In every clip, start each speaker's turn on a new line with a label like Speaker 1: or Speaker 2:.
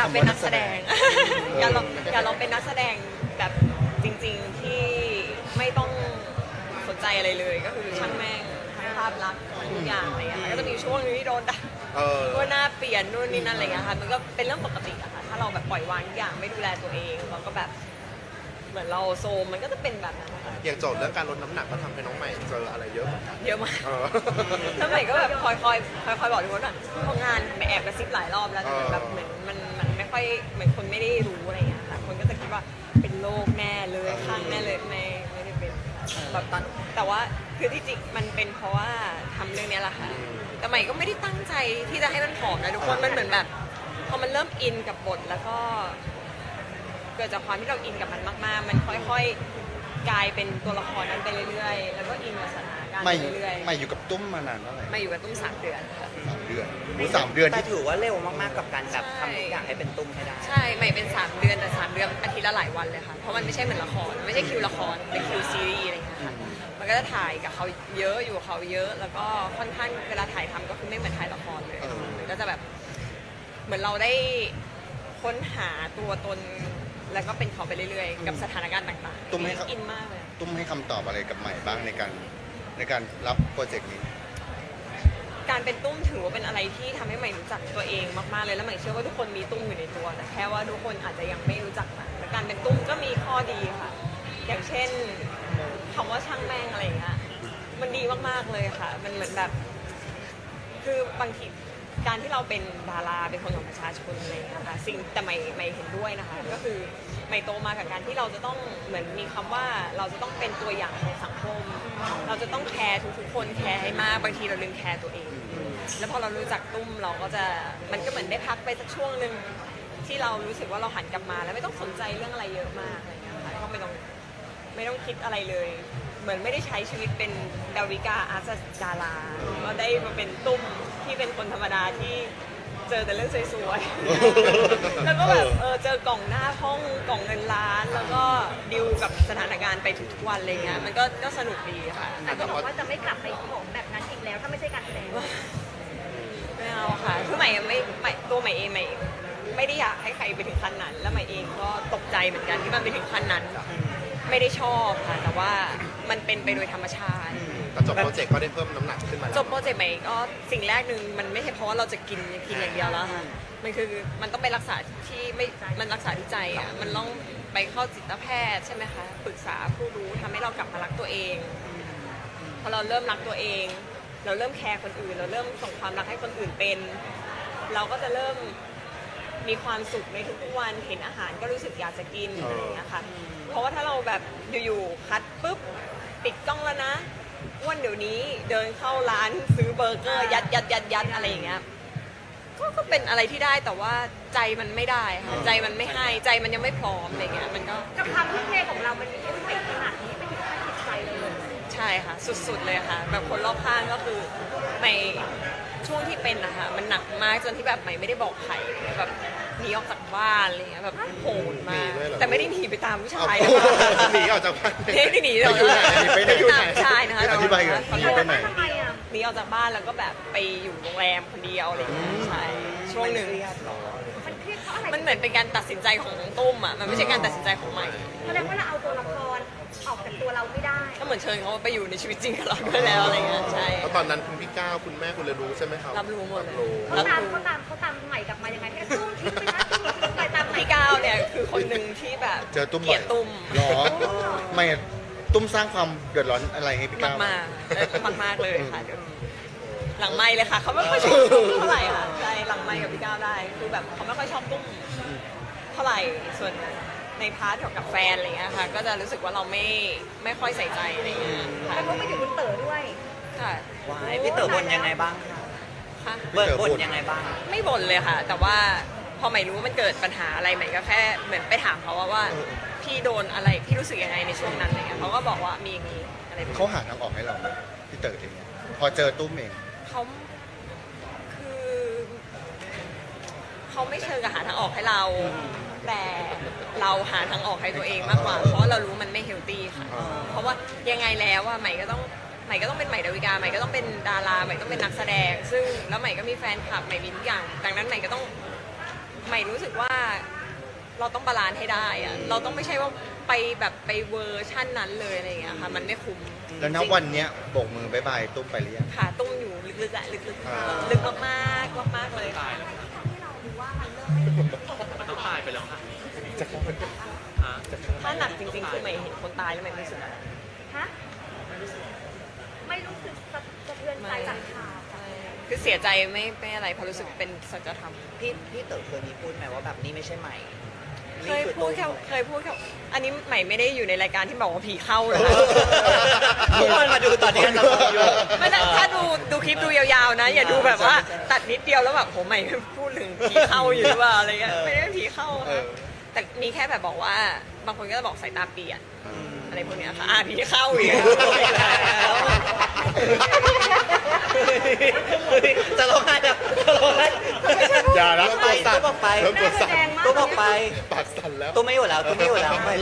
Speaker 1: ากเป็นนักแสดงอยากลองเป็นนักแสดงแบบจริงๆที่ไม่ต้องสนใจอะไรเลยก็คือช่างแม่งทั้งภาพลักษณ์ทุกอย่างอะไรอย่างเงี้ยก็จะมีช่วงนึงที่โดนด่าว่าหน้าเปลี่ยนนู่นนี่นั่นอะไรอย่างเงี้ยค่ะมันก็เป็นเรื่องปกติอะค่ะถ้าเราแบบปล่อยวางทุกอย่างไม่ดูแลตัวเองเราก็แบบเหมือนเราโซมมันก็จะเป็นแบบนั้นนะคะ
Speaker 2: อย่างโจทย์เรื่องการลดน้ำหนักก็ทำให้น้องใหม่เจออะไรเยอะเหมือนกัน
Speaker 1: เยอะมากแล้วใหม่ก็แบบคอยบอกทุกคนว่าทำงานไปแอบกระซิบหลายรอบแล้วแต่แบบเหมือนมันไม่ค่อยเหมือนคนไม่ได้รู้อะไรอย่างเงี้ยค่ะคนก็จะคิดว่าเป็นโรคแน่เลยข้างแน่เลยไม่ได้เป็นแบบตอนแต่ว่าคือที่จริงมันเป็นเพราะว่าทำเรื่องนี้แหละค่ะแต่ใหม่ก็ไม่ได้ตั้งใจที่จะให้มันผอมนะทุกคนมันเหมือนแบบพอมันเริ่มอินกับบทแล้วก็เกิดจากความที่เราอินกับมันมากๆมันค่อยๆกลายเป็นตัวละครนั้นไปเรื่อยๆแล้วก็อินกับสถานการณ์ไปเรื่อย
Speaker 3: ๆไม่อยู่กับตุ้มมานานเท่าไหร่
Speaker 1: มาอยู่กับตุ้ม3 เดือนค่ะ
Speaker 3: 3 เดือน3 เดือน
Speaker 4: แต่ถือว่าเร็วมากๆกับการแบบทำทุกอย่างให้เป็นตุ้มให้ได้
Speaker 1: ใช่ใหม่เป็น3 เดือนแต่3 เดือนอาทิตย์ละหลายวันเลยค่ะเพราะมันไม่ใช่เหมือนละครไม่ใช่คิวละครเป็นคิวซีรีส์อะไรอย่างเงี้ยค่ะมันก็จะถ่ายกับเขาเยอะอยู่กับเขาเยอะแล้วก็ค่อนข้างเวลาถ่ายทำก็คือไม่เหมือนถ่ายละครเลยมันก็จะแบบเหมือนเราได้ค้นหาตัวตนแล้วก็เป็นเขาไปเรื่อยๆกับสถานการณ์ต่างๆ
Speaker 3: ตุ้มให้
Speaker 1: อินมากเลย
Speaker 3: ตุ้มให้คำตอบอะไรกับใหม่บ้างในการรับโปรเจกต์นี้
Speaker 1: การเป็นตุ้มถือว่าเป็นอะไรที่ทำให้ใหม่รู้จักตัวเองมากๆเลยแล้วใหม่เชื่อว่าทุกคนมีตุ้มอยู่ในตัวแต่แค่ว่าทุกคนอาจจะยังไม่รู้จักมันแต่การเป็นตุ้มก็มีข้อดีค่ะอย่างเช่นคำว่าช่างแม่งอะไรอย่างเงี้ยมันดีมากๆเลยค่ะมันเหมือนแบบคือบางทีการที่เราเป็นดาราเป็นคนของประชาชนอะไรอย่างเงี้ยค่ะสิ่งแต่ไม่เห็นด้วยนะคะก็คือไม่โตมากับการที่เราจะต้องเหมือนมีคำว่าเราจะต้องเป็นตัวอย่างในสังคมเราจะต้องแคร์ทุกๆคนแคร์ให้มากบางทีเราลืมแคร์ตัวเองแล้วพอเรารู้จักตุ้มเราก็จะมันก็เหมือนได้พักไปสักช่วงหนึ่งที่เรารู้สึกว่าเราหันกลับมาแล้วไม่ต้องสนใจเรื่องอะไรเยอะมากอะไรอย่างเงี้ยค่ะก็ไม่ต้องคิดอะไรเลยเหมือนไม่ได้ใช้ชีวิตเป็นดาวิกาอาร์ตดาราก็ได้มาเป็นตุ้มที่เป็นคนธรรมดาที่เจอแต่เรื่องสวยๆ แล้วก็แบบเจอกล่องหน้าห้องกล่องเงินล้านแล้วก็ดิวกับสถานการณ์ไปทุกๆวันอะไรเงี้ยมันก็สนุกดีค่ะ
Speaker 5: แต่ก็บอกว่าจะไม่กลับไปของแบบนั้นอีกแล้วถ้าไม่ใช่การแสดง
Speaker 1: ไม่เอาค่ะคือใหม่ตัวใหม่เองใหม่ไม่ได้อยากให้ใครไปถึงขั้นนั้นแล้วใหม่เองก็ตกใจเหมือนกันที่มันไปถึงขั้นนั้นไม่ได้ชอบค่ะแต่ว่ามันเป็นไปโดยธรรมชาติ
Speaker 2: จบโปรเจกต์ก็ได้เพิ่มน้ำหนักขึ้นมาแล้ว
Speaker 1: จบโปรเจกต์ใหม่ก็สิ่งแรกหนึ่งมันไม่ใช่เพราะว่าเราจะกินอย่างเดียวแล้วค่ะมันคือมันต้องไปรักษาที่ไม่มันรักษาที่ใจอ่ะมันต้องไปเข้าจิตแพทย์ใช่ไหมคะปรึกษาผู้รู้ทำให้เรากลับมารักตัวเองพอเราเริ่มรักตัวเองเราเริ่มแคร์คนอื่นเราเริ่มส่งความรักให้คนอื่นเป็นเราก็จะเริ่มมีความสุขในทุกๆวันเห็นอาหารก็รู้สึกอยากจะกินอะไรอย่างเงี้ยค่ะเพราะว่าถ้าเราแบบอยู่ๆคัดปุ๊บปิดกล้องแล้วนะวันเดี๋ยวนี้เดินเข้าร้านซื้อเบอร์เกอร์ยัดอะไรอย่างเงี้ยก็เป็นอะไรที่ได้แต่ว่าใจมันไม่ได้ค่ะใจมันไม่ให้ใจมันยังไม่พร้อมอะไรเงี้ยมันก็
Speaker 5: กับความทุ่มเทของเรามันมีเอฟเฟกต์ขนาดนี้ไม่ถึงขั้นจิตใจเลย
Speaker 1: ใช่ค่ะสุดๆเลยค่ะแบบคนรอบข้างก็คือในช่วงที่เป็นนะคะมันหนักมากจนที่แบบไม่ได้บอกใครแบบหนีออกจากบ้านอะไรเงี้ยแบบโหดมากแต่ไม่ได้หนีไปตามผู้ชาย
Speaker 2: หนีออกจากบ้าน
Speaker 1: ไม่ได้หนีหรอกตามชายนะคะ
Speaker 3: อธิบายกัน
Speaker 5: หนีออกจากบ้านทำไมอ่ะ
Speaker 1: หนีออกจากบ้านแล้วก็แบบไปอยู่โรงแรมคนเดียวอะไรอย่างเงี้ยใช่ช่วงหนึ่ง
Speaker 5: มันเครียดเพราะอะไร
Speaker 1: มันเหมือนเป็นการตัดสินใจของตุ้มอ่ะมันไม่ใช่การตัดสินใจของใหม่
Speaker 5: แสดงว่าเราเอาตัวละครออกจากตัวเราไม่ได้
Speaker 1: ก็เหมือนเชิญเขาไปอยู่ในชีวิตจริงกับเราด้วยแล้วอะไรเงี้ยใช่
Speaker 2: แล้วตอนนั้นคุณพี่ก้าวคุณแม่คุณเลยรู้ใช่ไหมครับ
Speaker 1: รับรู้หมดเลย
Speaker 5: เขาตามใหม่กลับมายังไงให้ตุ้มทิ้งไปนะทิ้งไปตาม
Speaker 1: พี่ก้าวเนี่ยคือคนหนึ่งที่แบบ
Speaker 3: เจอตุ้ม
Speaker 1: เกลียดตุ้ม
Speaker 3: หรอไม่ตุ้มสร้างความเดือดร้อนอะไรให้พี่ก้าว
Speaker 1: มากเลยค่ะหลังไมค์เลยค่ะเขาไม่ค่อยชอบตุ้มเท่าไหร่ค่ะใช่หลังไมค์กับพี่ก้าวได้คือแบบเขาไม่ค่อยชอบตุ้มเท่าไหร่ส่วนในพาร์ทกับแฟนอะไรเงี้ยค่ะก็จะรู้สึกว่าเราไม่ค่อยใส่ใจอะไรเงี้ย
Speaker 5: ค่ะแล้วก็ไม่ถึงคุณเต๋อด้วย
Speaker 1: ค่ะ
Speaker 4: พี่เต๋อบ่นยังไงบ้าง
Speaker 1: ค่ะ
Speaker 4: บ่นยังไงบ้าง
Speaker 1: ไม่บ่นเลยค่ะแต่ว่าพอใหม่รู้ว่ามันเกิดปัญหาอะไรใหม่ก็แค่เหมือนไปถามเขาว่าพี่โดนอะไรพี่รู้สึกยังไงในช่วงนั้นอะไรเงี้ยเขาก็บอกว่ามีอย่างนี้อะไร
Speaker 3: เขาหาทางออกให้เราพี่เต๋อเองพอเจอตุ้มเอง
Speaker 1: เขาคือเขาไม่เชิงกับหาทางออกให้เราแต่เราหาทางออกให้ตัวเองมากกว่าเพราะเรารู้มันไม่เฮลตี้ค่ะเพราะว่ายังไงแล้วว่าใหม่ก็ต้องเป็นใหม่ดาวิกาใหม่ก็ต้องเป็นดาราใหม่ต้องเป็นนักแสดงซึ่งแล้วใหม่ก็มีแฟนคลับใหม่มีทุกอย่างดังนั้นใหม่ก็ต้องหม่รู้สึกว่าเราต้องบาลานซ์ให้ได้อะเราต้องไม่ใช่ว่าไปแบบไปเวอร์ชั่นนั้นเลยอะไรอย่างเงี้ยค่ะมันไม่คุ้ม
Speaker 3: แล้วณวันเนี้ยโบกมือบายบายตุ้มไปหรือยัง
Speaker 1: ขาตุ้มอยู่ลึกๆอะลึก
Speaker 3: อ่า
Speaker 1: ๆลึกมากๆมากๆเลยค่ะ
Speaker 5: ที่เราดูว่ามันเริ่มไม่
Speaker 6: มันต้องตายไปแล้วค่ะ
Speaker 1: ถ้าหนักจริงๆคือใหม่เห็นคนตายแล้วใหม่ไม่รู้สึกอะไร
Speaker 5: ฮะไม่รู้สึกสะเทือนใจจากข่าว
Speaker 1: ใช่คือเสียใจไม่อะไรเพราะรู้สึกเป็นสัจธรรม
Speaker 4: พี่เต๋อเคยมีพูดไหมว่าแบบนี่ไม่ใช่ใหม่
Speaker 1: เคยพูดแค่อันนี้ใหม่ไม่ได้อยู่ในรายการที่บอกว่าผีเข้าเลย
Speaker 4: ทุกคนมาดูตอนนี้เราอยู่
Speaker 1: ไม่ได้ถ้าดูคลิปดูยาวๆนะ อย่าดูแบบว่าตัดนิดเดียวแล้วแบบผมใหม่พูดถึงผีเข้าอยู่หรือเปล่าอะไรเงี้ยไม่ได้ผีเข้า
Speaker 3: เอ
Speaker 1: นะ
Speaker 3: อ
Speaker 1: แต่มีแค่แบบบอกว่าบางคนก็จะบอกสายตาเปลี่ยนอะไรพวกเนี้ยค่ะผีเข้าอีกแล้ว
Speaker 4: จะร้องไห้แล้วจะร้องไห้
Speaker 3: อย่านะ
Speaker 4: ไปตัวบอกไป
Speaker 2: เริ่มตัวสั่น
Speaker 4: ตัวบอกไป
Speaker 2: ปากสั่นแล้ว
Speaker 4: ตัวไม่อยู่แล้วตัวไม่อยู่แล้วไม่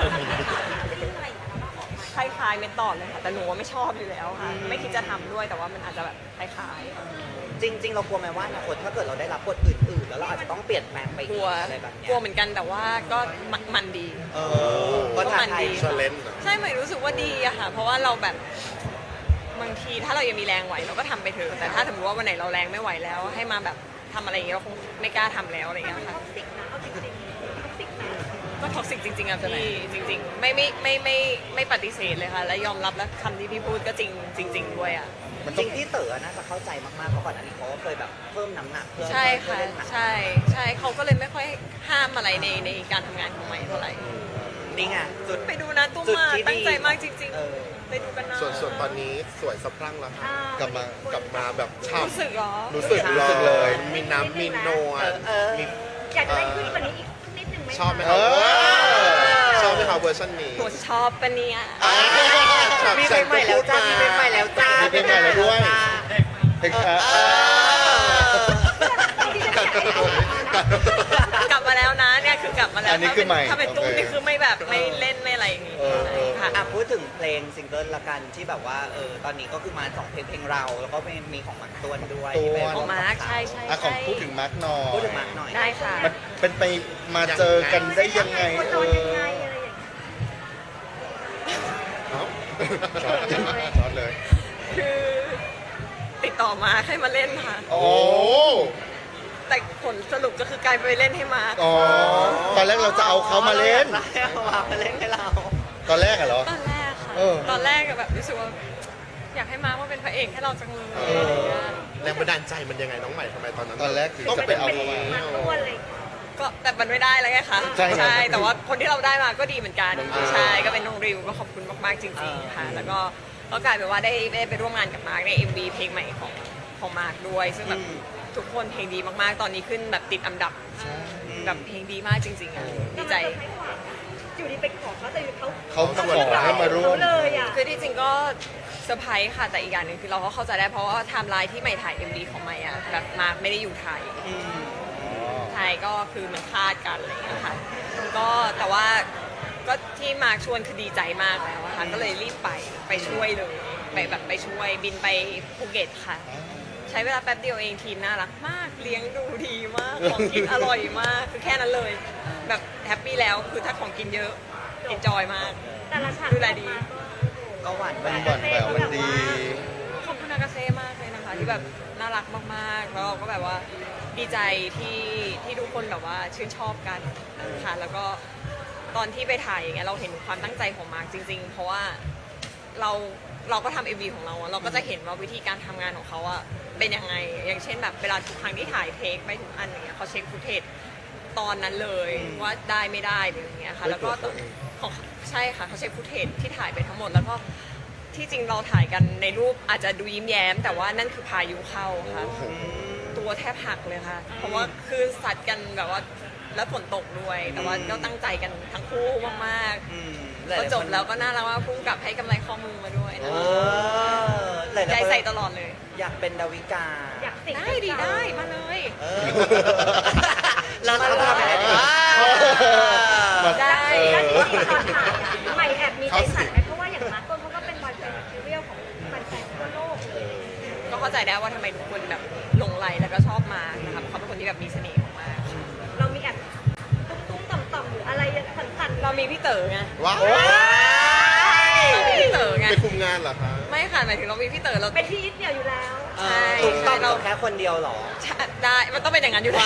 Speaker 1: คล้ายๆเมนตอดเลยค่ะแต่หนูว่าไม่ชอบอยู่แล้วค่ะไม่คิดจะทำด้วยแต่ว่ามันอาจจะแบบคล้ายๆ
Speaker 4: จริง ๆ เรากลัวไหมว่าอนาคตถ้าเกิดเราได้รับบทอื่นๆ แล้วเราอาจจะต้องเปลี่ยนแปลงไป
Speaker 1: ก
Speaker 4: อี
Speaker 1: ลั
Speaker 4: ก
Speaker 1: ว
Speaker 4: อะไรแบบเนี้ย
Speaker 1: กลัวเหมือนกันแต่ว่าก็มันดี
Speaker 4: ก็ท้าทาย
Speaker 2: ชาเลนจ์
Speaker 1: ใช่ใหม่รู้สึกว่าดีอะค่ะ เพราะว่าเราแบบบางทีถ้าเรายังมีแรงไหวเราก็ทำไปเถอะแต่ถ้าสมมติว่าวันไหนเราแรงไม่ไหวแล้ว ให้มาแบบทำอะไรอย่างเงี้ยเราคงไม่กล้าทำแล้วอะไรอย่างเงี้ยค่ะ
Speaker 5: ติกนะเอาจริงๆติกนะ
Speaker 1: ก็ท็อกซิกจริงๆอะพี่จริง ๆ ไม่ปฏิเสธเลยค่ะ และยอมรับและคำที่พี่พูดก็จริง ๆ ด้วยอะ
Speaker 3: มัน
Speaker 4: จ
Speaker 3: ต้อ
Speaker 4: ริ
Speaker 3: ง
Speaker 4: งที่เต๋อน่าจะเข้าใจมากๆเพราะก่อนอันนี้เขาก็เคยแบบเพิ่มน้ำหนักเพื่อ
Speaker 1: ใช่ค่ะ
Speaker 4: เล่นหนัง
Speaker 1: ใช่เขาก็เลยไม่ค่อยห้ามอะไรในการทำงานของใหม่เท่าไหร่
Speaker 4: นี่ไงจุด
Speaker 1: ไปดูนะตุ้ม
Speaker 4: จุด
Speaker 1: มา
Speaker 4: ที่ดี
Speaker 1: ตั้งใจมากจริง
Speaker 4: เออ
Speaker 1: ๆไปดูกันนะ
Speaker 2: ส่วนตอนนี้สวยสะพรั่งแล้วค่ะ
Speaker 3: กลับมา
Speaker 2: กลับมาแบบฉ่
Speaker 1: รู้สึกเหรอ
Speaker 2: ำรู้สึกเลย มีน้ำมีนวลมี
Speaker 5: อยากจะได้ขึ้นกว่านี้อีกนิดนึงไหม
Speaker 2: ชอบไหม
Speaker 3: เอ
Speaker 2: ครับ
Speaker 3: อ
Speaker 2: ชอบไหมครับเวอร์ชันนี้
Speaker 1: หนูชอบปะเนี่ย
Speaker 4: มีเพลงใหม่แล้วจ้ามีเพลงใหม่แล้วจ้า
Speaker 3: มีเพลงใหม่แล้วด้วย เพลง
Speaker 1: กลับมาแล้วนะเนี่ยคือกลับมาแล้ว
Speaker 3: อันนี้คือใหม่
Speaker 1: ถ้าเป็นตุ้ม
Speaker 3: โอเค
Speaker 1: นี่คือไม่แบบไม่เล่นไม่อะไรอย่างงี้
Speaker 3: เออ
Speaker 1: ค่ะ
Speaker 4: อ่ะพูดถึงเพลงซิงเกิลละกันที่แบบว่าตอนนี้ก็คือมาสองเพลงเราแล้วก็มีของหมักต้วนด้วยที่เป็น
Speaker 1: ของมาร์คใช่
Speaker 3: อ่ะของพูดถึงมาร์กหน่อย
Speaker 4: พูดถึงมาร์คหน่อย
Speaker 1: ได้ค่ะ
Speaker 3: มันเป็นไปมาเจอกันได้ยังไง
Speaker 5: คนนอนยังไงอะไรอย่างเงี้ย
Speaker 2: เอ้า
Speaker 3: ช็อตเลย
Speaker 1: คือติดต่อมาให้มาเล่นค่ะ
Speaker 3: โอ้
Speaker 1: แต่ผลสรุปก็คือกลายไปเล่นให้มาร์ค
Speaker 3: อ๋อตอนแรกเราจะเอาเขามาเล่น
Speaker 4: เอามาเล่นให้เรา
Speaker 3: ตอนแรกอะเหรอ
Speaker 1: ตอนแรกค่ะ
Speaker 3: เออ
Speaker 1: ตอนแรกแบบรู้สึกว่า อยากให้มาร์คมาเป็นพระเอกให้เราจังเลย
Speaker 3: เอ
Speaker 1: อะไร
Speaker 3: อ
Speaker 1: อย่างเงี้ย
Speaker 2: แรงบันดาลใจมันยังไงน้องใหม่ทำไมตอนนั้น
Speaker 3: ตอนแรกถึง
Speaker 2: ต้อง
Speaker 3: จะไปเอาเขามา
Speaker 5: มาตัวเลย
Speaker 1: ก็แต่มันไม่ได้แล้วไงคะ
Speaker 3: ใช่ครับ
Speaker 1: แต่ว่าคนที่เราได้มาก็ดีเหมือนกัน
Speaker 3: น้องริว
Speaker 1: ใช่ก็เป็นน้องริวก็ขอบคุณมากๆจริงๆค่ะ แล้วก็กลายเป็นว่าได้ไปร่วมงานกับมาร์คใน MV เพลงใหม่ของมาร์คด้วย ซึ่งแบบทุกคนเพลงดีมากๆ ตอนนี้ขึ้นแบบติดอันดับแบบเพลงดีมากจริงๆอ่ะดีใจ
Speaker 5: อยู่ดีไปขอเขาแต่เขา
Speaker 3: เขาขอให้มาร่วม
Speaker 5: เขาเลยอ่ะ
Speaker 1: คือที่จริงก็เซอร์ไพรส์ค่ะแต่อีกอย่างหนึ่งคือเราก็เข้าใจได้เพราะว่าไทม์ไลน์ที่ใหม่ถ่าย MV ของใหม่อ่ะแบบมาร์คไม่ได้อยู่ไทย ไทยก็คือมันคลาดกันอะไรอย่างเงี้ยค่ะก็แต่ว่าก็ที่มาร์คชวนคือดีใจมากแล้วอะค่ะก็เลยรีบไปช่วยเลยไปช่วยบินไปภูเก็ตค่ะ ใช้เวลาแป๊บเดียวเองทีมน่ารักมากเลี้ยงดูดีมากของกินอร่อยมากคือแค่นั้นเลย แบบแฮปปี้แล้วคือถ้าของกินเยอะเอนจอยมาก
Speaker 5: แต่ละฉาก
Speaker 1: ดูแลดี
Speaker 4: ก็หวานแหว
Speaker 3: มันหวานแหววมันดี
Speaker 1: ขอบคุณอากาเซ่มากเลยนะคะที่แบบน่ารักมากๆแล้วเราก็แบบว่าดีใจที่ทุกคนแบบว่าชื่นชอบกันค่ะแล้วก็ตอนที่ไปถ่ายอย่างเงี้ยเราเห็นความตั้งใจของมาร์คจริง ๆ เพราะว่าเราก็ทำ MV ของเราอะเราก็จะเห็นว่าวิธีการทำงานของเขาอะเป็นยังไง อย่างเช่นแบบเวลาทุกครั้งที่ถ่ายเทคไปทุกอันอย่างเงี้ยเขาเช็คฟุตเทจตอนนั้นเลยว่าได้ไม่ได้หรืออย่างเงี้ยค่ะแล้วก็ของใช่ค่ะเขาเช็คฟุตเทจที่ถ่ายไปทั้งหมดแล้วก็ที่จริงเราถ่ายกันในรูปอาจจะดูยิ้มแย้ม แต่ว่านั่นคือพายุเข้าค่ะตัวแทบหักเลยค่ะ เพราะว่าคือสัตว์กันแบบว่าแล้วฝนตกด้วย แต่ว่าก็ตั้งใจกันทั้งคู่มากๆพอจบแล้วก็น่ารักว่าพุ่งกลับให้กำไรข้อมือมาด้วยนะใจใส่ตลอดเลย
Speaker 4: อยากเป็นดาวิกา
Speaker 5: อยากติด
Speaker 1: ได้ดีได้มาเลย
Speaker 4: เราทำอะไรดี
Speaker 1: ได้
Speaker 5: แล้วที่จริงตอนถ่ายอะใหม่แอบมีใจสั่นไหมเพราะว่าอย่างมาร์คต้นเขาก็เป็นบอยแบนด์แมทเทียลของแฟนๆทั่วโลกเลย
Speaker 1: ก็เข้าใจได้ว่าทำไมทุกคนแบบหลงไหลแล้วก็ชอบมานะคะเพราะเขาเป็นคนที่แบบมีเสน่ห์มาก
Speaker 5: เรา
Speaker 1: มีพี่เต๋อไง
Speaker 2: ว้าว
Speaker 1: เรามีพี่เต๋อไง
Speaker 2: ไปคุมงานเหรอคะ
Speaker 1: ไม่ค่ะหมายถึงเรามีพี่เต๋อเรา
Speaker 5: เป็นที่ยึดเหนี่ยวอยู่แล้ว
Speaker 4: เอ
Speaker 1: ใช่
Speaker 4: อถูกต้อง
Speaker 1: เรา
Speaker 4: แค่คนเดียวเหรอ
Speaker 1: ได้มันต้องเป็นอย่างนั้นอยู่แล้ว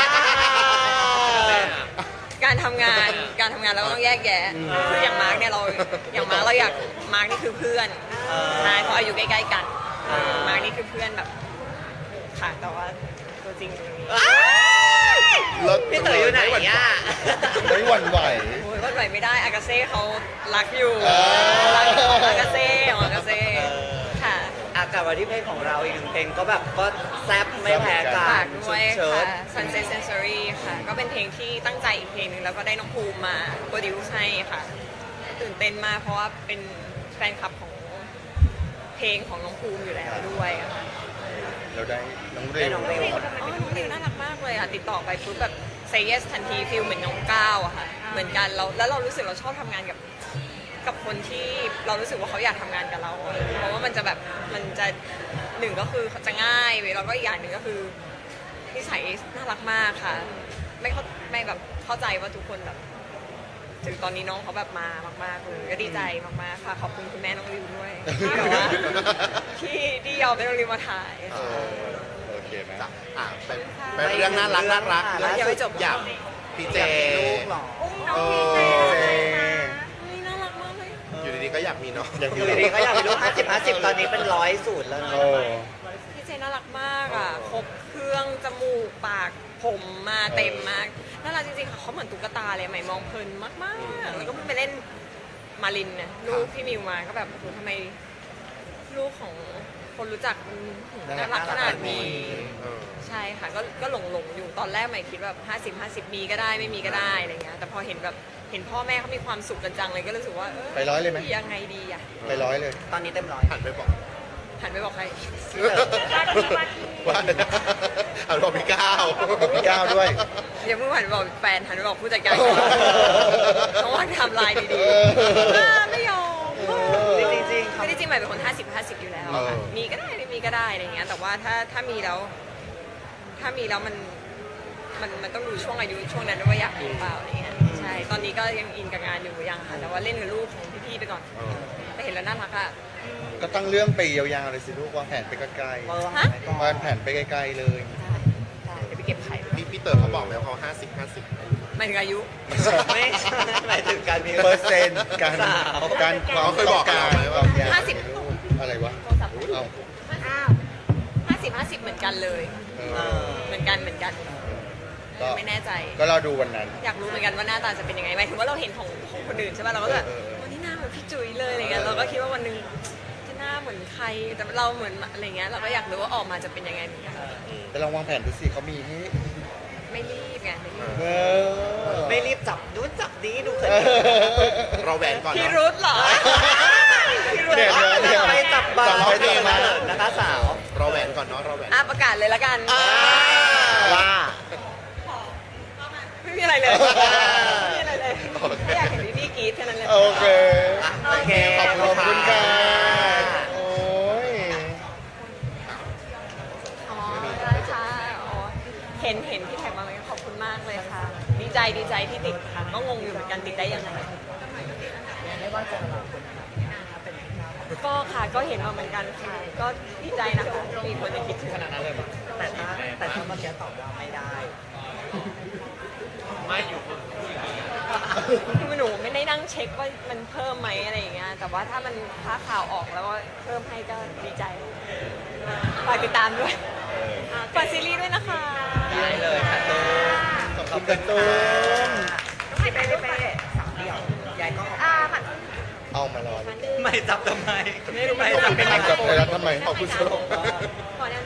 Speaker 1: การทำงานเราก็ต้องแยกแยะคืออย่างมาร์กเนี่ยเราอยากมาร์กนี่คือเพื่อนใช่เพราะอายุใกล้ๆกันมาร์กนี่คือเพื่อนแบบค่ะแต่ว่าตัวจริงตรงนี้
Speaker 2: เลิศ
Speaker 4: พี่เต๋ออยู่ไหนอ่ะ
Speaker 3: ไม่หวั่นไหว
Speaker 1: โอ้ยว่าไหวไม่ได้อากาเซ่เขารักอยู่
Speaker 3: เออ
Speaker 1: รักของอากาเซ่ค่ะ
Speaker 4: อากลับมาที่เพลงของเราอีกหนึ่งเพลงก็แบบก็แซ่บไม่แพ้กั
Speaker 1: ฝาน กด้วย
Speaker 4: เชิ
Speaker 1: ค่ะ
Speaker 4: ด
Speaker 1: Sunset Sensory ค่ะ ก็เป็นเพลงที่ตั้งใจอีกเพลงหนึงแล้วก็ได้น้องภูมิมาโปรดิวซ์ให้ค่ะ ตื่นเต้นมากเพราะว่าเป็นแฟนคลับของเพลงของน้องภูมิอยู่แล้วด้วยอะค่ะ
Speaker 3: เราได้น้องเร
Speaker 4: ได้
Speaker 3: ว
Speaker 4: น้องเรว
Speaker 1: อ๋อน้องดิวน่ารักมากเลยอ่ะ ติดต่อไปปุ๊บแบบ say yes ทันทีฟิลเหมือนน้องก้าวอะค่ะ เหมือนกันแล้วเรารู้สึกเราชอบทำงานกับคนที่เรารู้สึกว่าเขาอยากทำงานกับเราอะเพราะว่ามันจะแบบมันจะหนึ่งก็คือจะง่ายแล้วก็อีกอย่างหนึ่งก็คือนิสัยน่ารักมากค่ะ ไม่แบบเข้าใจว่าทุกคนแบบ ถึงตอนนี้น้องเขาแบบมามากๆเลยก็ดีใจมากๆค่ะขอบคุณคุณแม่น้องริวด้วยที่แบบว่าที่ยอมให้น้องริวมาถ่าย
Speaker 2: เออ
Speaker 3: โอเคไหม
Speaker 2: จ้ะไปเรื่องน่ารัก
Speaker 1: ยังไม่จบ
Speaker 2: อยากพี่เจ
Speaker 4: ลูกเหรอ
Speaker 5: อุ้มน้องพีเจเลยนะ
Speaker 1: เฮ้ยน่ารักมากเลย
Speaker 2: อยู่ดีๆก็อยากมีเนาะ
Speaker 3: อยาก
Speaker 4: อ
Speaker 3: มี
Speaker 4: ยู่ดีๆก็อยากมีลูก50 ตอนนี้เป็น100สูตรแล้วนะ
Speaker 3: โอ้
Speaker 1: พี่เจน่ารักมากอ่ะครบเครื่องจมูกปากผมมาเต็มมากน่ารักจริงๆค่ะเขาเหมือนตุ๊กตาเลยใหม่มองเพลินมากๆแล้วก็เพิ่งไปเล่นมารินนะลูกพี่มิวมาก็แบบโอ้โหทำไมลูกของคนรู้จักมันน่ารักขนาดนี้
Speaker 2: เออ
Speaker 1: ใช่ค่ะก็หลงอยู่ตอนแรกใหม่คิดแบบ50 มีก็ได้ไม่มีก็ได้อะไรเงี้ยแต่พอเห็นแบบเห็นพ่อแม่เขามีความสุขกันจังเลยก็รู้สึกว่า
Speaker 3: ไปร้อยเลยไหม
Speaker 1: ยังไงดีอ่ะ
Speaker 3: ไปร้อยเลย
Speaker 4: ตอนนี้เต็มร้อย
Speaker 2: หันไปบอก
Speaker 1: หันไปบอกใคร
Speaker 2: ว่าหันบอกพี่ก้าว
Speaker 3: พี่ก้าวด้วย
Speaker 1: อย่าเพิ่งหันไปบอกแฟนหันไปบอกผู้จัดการต้องวางไทำลายดี
Speaker 3: เออ
Speaker 1: ๆไม่ยอม
Speaker 4: จริงๆ
Speaker 1: ไม่ได้จริงใหม่เป็นคน50 อยู่แล้วค่ะมีก็ได้ไม่มีก็ได้อะไรเงี้ยแต่ว่าถ้ามีแล้วมันต้องดูช่วงอายุช่วงนั้นด้วยว่าอยากมีหรือเปล่าอะไรเงี้ยใช่ตอนนี้ก็ยังอินกับงานอยู่ยังค่ะแต่ว่าเล่นกับลูกของพี่ๆไปก่อน
Speaker 2: เออ
Speaker 1: แต่เห็นแล้วน่ารักอ่ะ
Speaker 3: ก็ตั้งเรื่องไปยาวๆเลยสิลูกวางแผนไปไกล
Speaker 1: ฮะ
Speaker 3: ๆวางแผนไปไกลๆเลย
Speaker 1: ได้เดี๋ยวไปเก็บไข่
Speaker 2: พี่เต๋อเขาบอกแล้วเขา50
Speaker 1: หมายถึงอายุ
Speaker 4: ไม่ใช่หมายถึงการมี
Speaker 3: เปอร์เซ็นต์การ
Speaker 4: สาว
Speaker 3: การความ
Speaker 2: เขาเคย
Speaker 3: ต้
Speaker 2: บ
Speaker 3: อ
Speaker 2: อง ก
Speaker 3: การ
Speaker 2: เราไหมว่า
Speaker 3: ความอยาก
Speaker 1: 50
Speaker 3: ในลูกอะไรวะ
Speaker 1: โทรศัพท์
Speaker 3: เอ้า
Speaker 5: อ้าว
Speaker 1: 50 เหมือนกันเลย
Speaker 3: เอ
Speaker 4: เอ
Speaker 3: อ
Speaker 4: อ
Speaker 1: เหมือนกัน
Speaker 3: ก็
Speaker 1: ไม่แน่ใจ
Speaker 3: ก็รอดูวันนั้น
Speaker 1: อยากรู้เหมือนกันว่าหน้าตาจะเป็นยังไงหมายถึงว่าเราเห็นของคนอื่นใช่ป่ะเราก็แบบ
Speaker 3: เออ
Speaker 1: วันนี้หน้าเหมือนพี่จุ๋ยเลยอะไรเงี้ยเราก็คิดว่าวันหนึงจะหน้าเหมือนใครแต่เราเหมือนอะไรเงี้ยเราก็อยากรู้ว่าออกมาจะเป็นยังไงเหมือนกัน
Speaker 3: แต่ลองวางแผนดูสิเขามีให้
Speaker 1: ไม่รีบไงไม่รีบ
Speaker 3: เออ
Speaker 4: ไม่รีบจับดูจับดีดูเขิน
Speaker 2: เราแหวนก่อน
Speaker 1: พี่
Speaker 2: เนาะ
Speaker 1: รุธเหรอ
Speaker 3: เดี๋ยวเดี๋ยว
Speaker 4: ไปจับบา
Speaker 3: จับ
Speaker 4: ร์
Speaker 3: ไว้
Speaker 4: เขิน
Speaker 3: จับไว้
Speaker 4: นะคะสาว
Speaker 2: เราแหวนก่อนเนาะเราแหวน
Speaker 1: อ่ะประกาศเลยละกัน
Speaker 3: ว่า
Speaker 1: ไม่มีอะไรเลยไม่มีอะไรเลยแค่อยากเห็นพี่กรี๊ดแค่นั้นเลย
Speaker 3: โอเค
Speaker 4: โอเค
Speaker 3: ขอบคุณค่ะโอ้ย
Speaker 1: อ๋อได้ค่ะอ๋อเห็นพี่แท็กมาไหมขอบคุณมากเลยค่ะ ดีใจที่ติดค่ะก็งงอยู่เหมือนกันติดได้ยังไงก็ค่ะก็เห็นมาเหมือนกันค่ะ ก็ดีใจนะคะมีคนยังคิดถึง
Speaker 4: แต่ถ้าเมื่อกี้ตอบว่าไม่ได้
Speaker 6: ไม่อยู่
Speaker 1: คือหนูไม่ได้นั่งเช็คว่ามันเพิ่มไหมอะไรอย่างเงี้ยแต่ว่าถ้ามันค้าข่าวออกแล้วว่าเพิ่มให้ก็ดีใจฝากติดตามด้วยฝากซีรีส์ด้วยนะคะ
Speaker 4: ได้เลยค่ะตูน
Speaker 3: ขอบคุณกันตุ้ม
Speaker 5: ไปไปไป
Speaker 4: สามเดี่ยวยายก็
Speaker 5: หมัด
Speaker 3: เอามารอเลย
Speaker 4: ไม่จับทำไม
Speaker 1: ไม่รู้ไม่
Speaker 3: ขอบคุณ
Speaker 1: เป็น
Speaker 3: ค
Speaker 1: ไร
Speaker 3: รับจับไปแล้วทำไม
Speaker 2: ขอบคุณสำหรับ
Speaker 1: ขอแนว